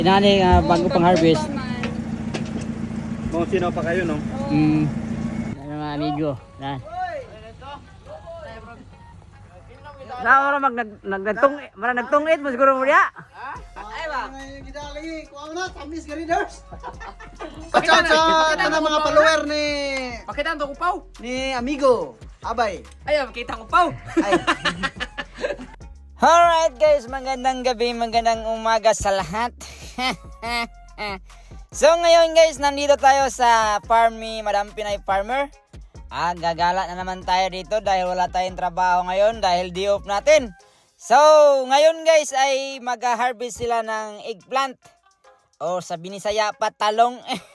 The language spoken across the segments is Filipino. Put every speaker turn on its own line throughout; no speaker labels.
Inani bago pang harvest.
Mga sino pa kayo, no?
Ano mga amigo. Yan. Na ora nagtungit mo siguro mo diya.
Ay ba?
Gidali, kuha na, tamis ka readers. Ciao, ciao! Ito na mga follower ni...
Pakita ang kupaw.
Ni amigo. Abay.
Ay, makita ang kupaw.
Ay.
Alright guys, magandang gabi, magandang umaga sa lahat. So ngayon guys, nandito tayo sa farm ni Madam Pinay Farmer. Gagala na naman tayo dito dahil wala tayong trabaho ngayon dahil day off natin. So ngayon guys ay mag-harvest sila ng eggplant. O sa Binisaya pa, talong.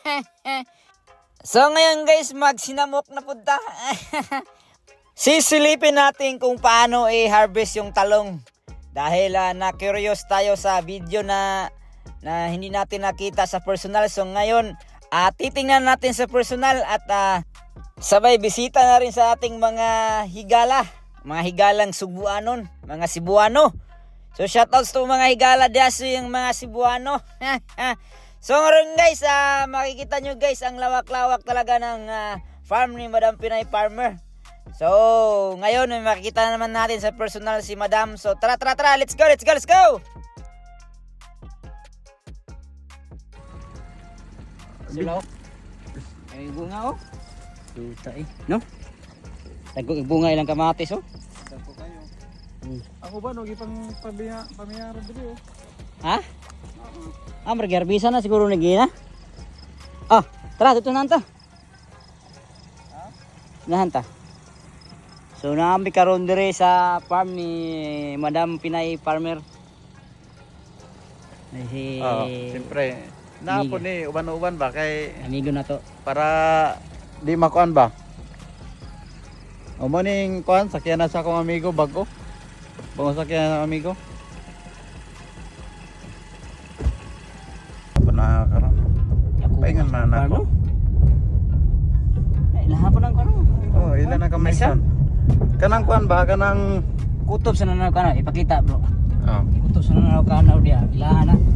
So ngayon guys, magsinamok na punta. Sisilipin natin kung paano i-harvest yung talong. Dahil na-curious tayo sa video na hindi natin nakita sa personal. So ngayon, titingnan natin sa personal at sabay bisita na rin sa ating mga higala. Mga higalang Subuanon, mga Cebuano. So shoutouts to mga higala diyaso yung mga Cebuano. So ngayon guys, makikita nyo guys ang lawak-lawak talaga ng farm ni Madam Pinay Farmer. So, ngayon may makikita naman natin sa personal si Madam. So, tara, let's go! Sila, ay bunga oh. Tuta no? Tagok bunga ilang kamatis oh.
Dako kayo. Ako ba, no? Ipang pamiyara dito oh.
Ha? Margarbisa na siguro nagina. Tara, dito na anta. Nahanta. So naambi karon dire sa farm ni Madam Pinay Farmer.
Siyempre. Napo ni uban-uban ba kay
Amigo na to.
para di makuan ba? O morning kuan sakyan na sa akong amigo bago. Bago sakyan ng amigo. Apa na karon? Paingan na nako.
Ay, lahat po ng karon.
Oh, ilan na kamay son. Kanang kuan ba kanang
Kutob sa nanaw kana, ipakita bro.
oh,
Kutob sa nanaw kana dia, ilahan na.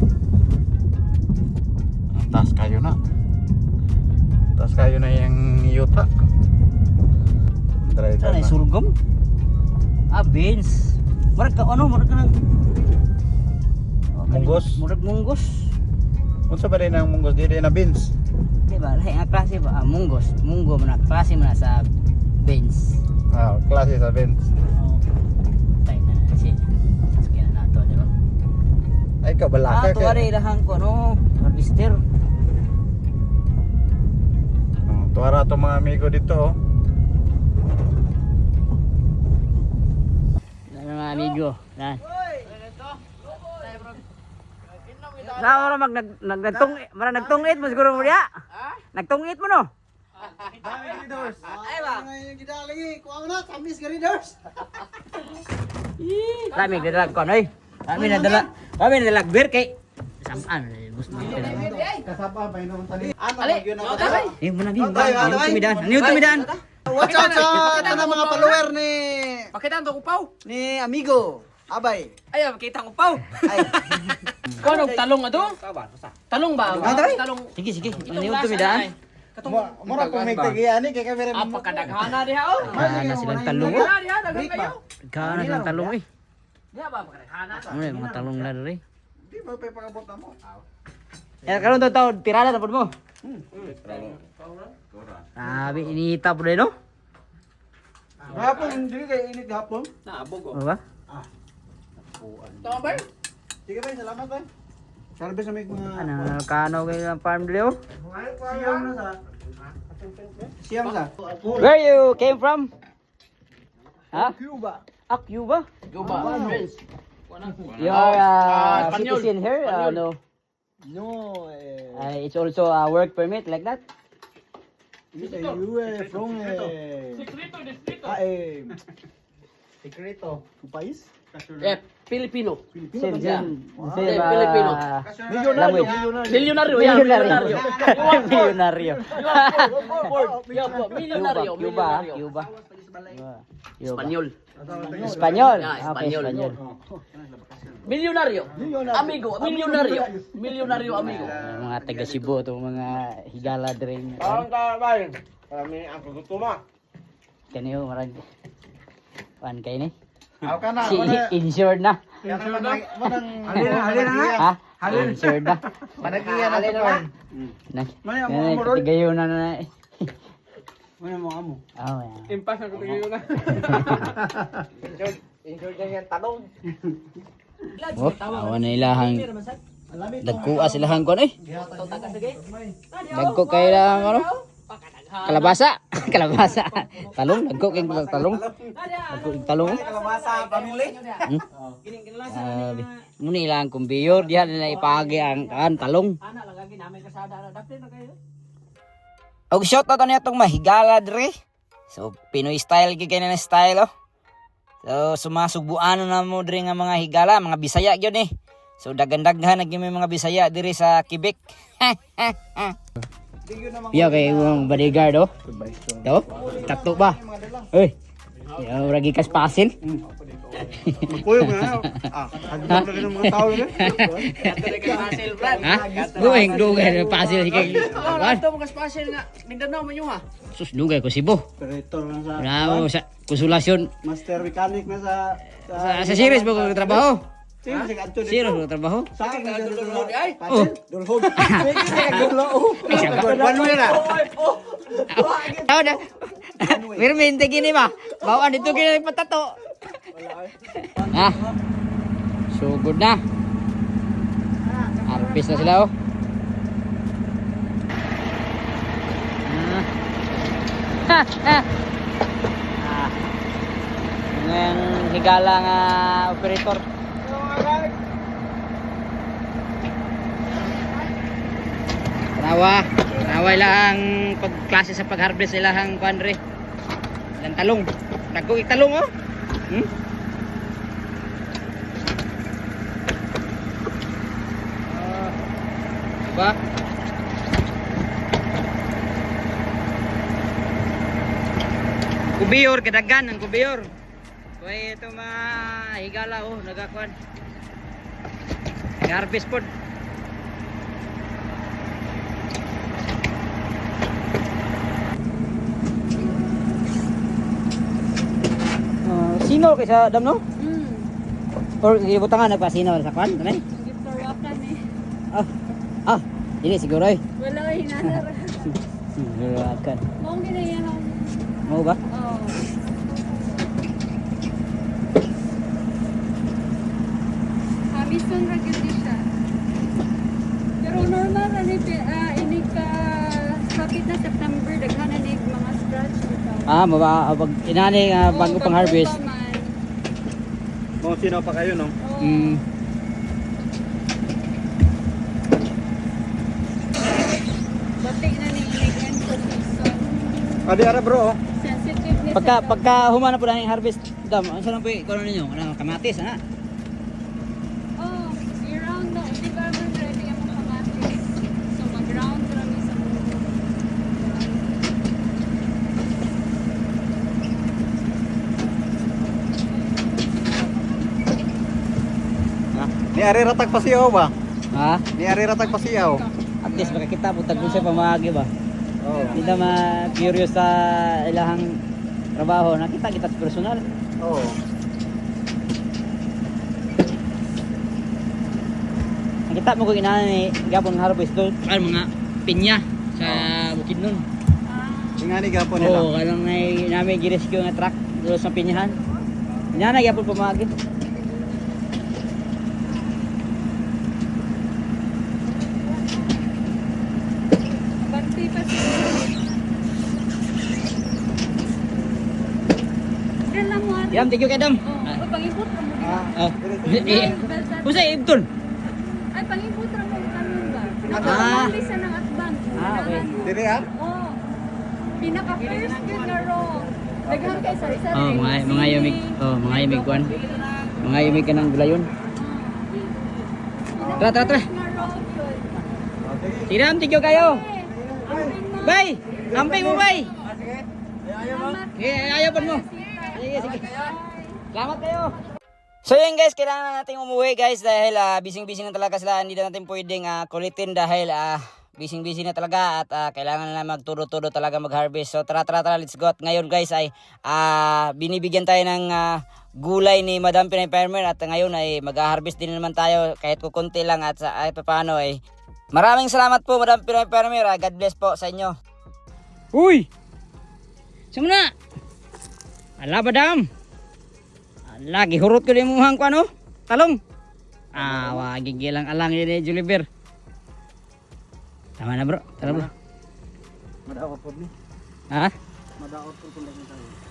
taas kayo na. Taas kayo na yung yuta. Driver
Sana
na.
surgom. Beans. Murag ka nang
Munggos.
Murag munggos.
Unsa ba rin ang munggos dili na beans?
Di ba? Lahi nga klase ba? Munggos. Munggo man na klase man na sa beans.
Ah, klase sa beans.
Oh. Tay na si. Sakyan na nato, di ba?
Ay kabalaka
Tuwari ilahang ko harvester.
Tuwara to mga amigo dito oh.
Ano mga amigo? Yan. Na ora nagtungit mo siguro mo diya. Nagtungit mo no?
Ay ba?
Gidali, kuha na, tamis ka readers.
Kami nadalag ko noy. Kami nadalag beer kay samaan gusto mo pila.
Kasapa ba ino tani?
Muna bi. Ano tumidan?
Watch out sa ito na mga follower ni
Pakita ang kupaw.
ni amigo. Abay.
Ay, makita ang kupaw.
Ay.
Kuno talong ato? Talong ba?
Tatay?
Talong.
Sige. Ano tumidan?
Mura kung may tagiani kay kamera mo.
Apakadaghana diha oh.
Na silang talong.
Diha, daghan kayo.
Kana silang talong eh.
Diha ba pakadaghana?
Ano yung mga talong na rin.
Di ba pa pakabot na mo?
Karon taon tirada na pud mo. Sabi inihita po rin no?
Hapon dili kay init hapon.
Naabog
Ano ba?
Tama ba?
Sige ba, salamat ba. Salbe sa may mga
Kano kayo ng farm dito?
siyam na sa. Siyam sa.
Where you came from? Ha?
Cuba.
Cuba?
Cuba. Friends.
You are
Espanyol.
citizen here? No.
No,
It's also a work permit like that?
you from Secreto. País?
Filipino.
Same
Filipino.
language.
Milyonaryo.
Milyonaryo.
Milyonaryo.
Cuba.
Espanyol.
Espanyol.
Yeah,
Okay,
Espanyol.
Espanyol.
Milyonaryo. Amigo, milyonaryo. Milyonaryo amigo.
Mga taga Cebu to mga higala dring.
Kami ang kagutuma.
Kaniyo marag pan kay ni.
Aw ka na,
Si insured na.
halina nga.
Ha? Insured na.
Panagiyan na to kan.
Tigayo na.
Ano mo amo?
Oh, yeah.
Impas ang kutigayo na.
Enjoy na yan talong.
Oh, awan na ilahang dagkuha silahan ko eh. Dagko kay lang ano? Kalabasa. Kalabasa. Talong, dagko kay talong. Dagko kay talong.
Kalabasa pamili.
Sabi. Muna ilang kumbiyor diha nila ipagi ang kan talong. Og shot na to niya itong mahigala dre. So Pinoy style gid kay na style oh. So sumasugbuan na mo dre nga mga higala, mga Bisaya gyud eh. So dagandaghan na gyud may mga Bisaya diri sa Quebec. Yo kay yung bodyguard oh. Do? Tato ba? Oy. Yo ragi kas pasil.
Magpuyo mo na. Hagdan na rin ng mga tao yun.
Ha? Dueng dugay pasil kay.
Ito mga special nga. Mindanao man yung ha.
Sus dugay ko Cebu.
Operator na sa
Bravo sa konsulasyon
master mechanic na sa
sa series ba ko trabaho?
Sino si Kanto dito?
Series ko trabaho?
Sa akin na dulhod ay.
Oh.
Dulhod. Ano yan ah?
Tao na. Pero mente gini ba? Bawaan dito gini patato. Ah. So good na. Arpis na sila oh. Ah. Ng higala nga operator. Tanawa lang pagklase sa pag-harvest ilang kuandre. Ilang talong. Dagko talong oh. Diba? Kubiyor, kadagan ang kubiyor. Kaya ito mga higala oh, nagakuan. Nag-harvest pod. Sino kaysa dam no? Or gibutangan nagpasino sa kwan, kanay?
Victoria plan eh.
Ah, ini siguro eh.
Wala ay hinanara.
Siguro akan.
Mong ginayahan.
Mau ba?
Oh. Hamison ra gyud siya. Pero normal ra ni ini ka kapit na September daghan na ni mga scratch dito.
Ah, pag inani nga bago pang harvest.
Mga sino pa kayo no?
Mm.
Batik na ni end of season.
Adi ara bro.
Sensitive ni
Pagka humana po na yung harvest, dam, ano lang po ikaw ninyo? Ano, kamatis, ha?
Oh, i-round na. Hindi ba naman ready ang mga kamatis? So mag-round kami sa mundo.
Ni ari ratag pasiyaw ba?
Ha?
Ni ari ratag pasiyaw.
At least makakita po tagpo siya pamagi ba?
Oh.
Hindi na ma-curious sa ilahang trabaho. Nakita kita sa personal.
Oh.
Nakita mo ko inana ni Gabon harvest doon. Ano mga pinya sa bukid nun.
Ingani gapon nila.
Oo, kanang namin girescue nga truck doon sa pinyahan. Inana gyapon pamagi.
Banti pa siya. Dala mo ari.
Yam, thank you kadam.
Oh, pangipot ra mo.
Oh. Usay ibton.
Ay, pangipot ra mo kanon ba?
Ah.
Nakakali sa ng atbang.
Okay.
Diri ah?
Oh. Pinaka first good na raw. Daghan kay sari-sari.
Oh, mga yumig. Oh, mga yumig kwan. Mga yumig ka ng gulayon. Tara, tara, tara. Tiram, tigyo kayo. Bay! Amping mo, bay! Ayaw pa mo. Sige, sige. Salamat kayo. So yun guys, kailangan na natin umuwi guys dahil busy-busy na talaga sila. Hindi na natin pwedeng kulitin dahil busy-busy na talaga at kailangan na magturo-turo talaga mag-harvest. So tara, let's go. At ngayon guys ay binibigyan tayo ng gulay ni Madam Pinay Farmer at ngayon ay mag-harvest din naman tayo kahit kukunti lang at paano ay maraming salamat po Madam Pinay Farmer. God bless po sa inyo. Uy! Sumuna! Ala Madam! Lagi hurot ko din muhang ko ano? Talong. Wag gigilang alang ini Juliber. Tama na bro. Tara bro.
Madaot po ni.
Ha?
Madaot po kung tayo.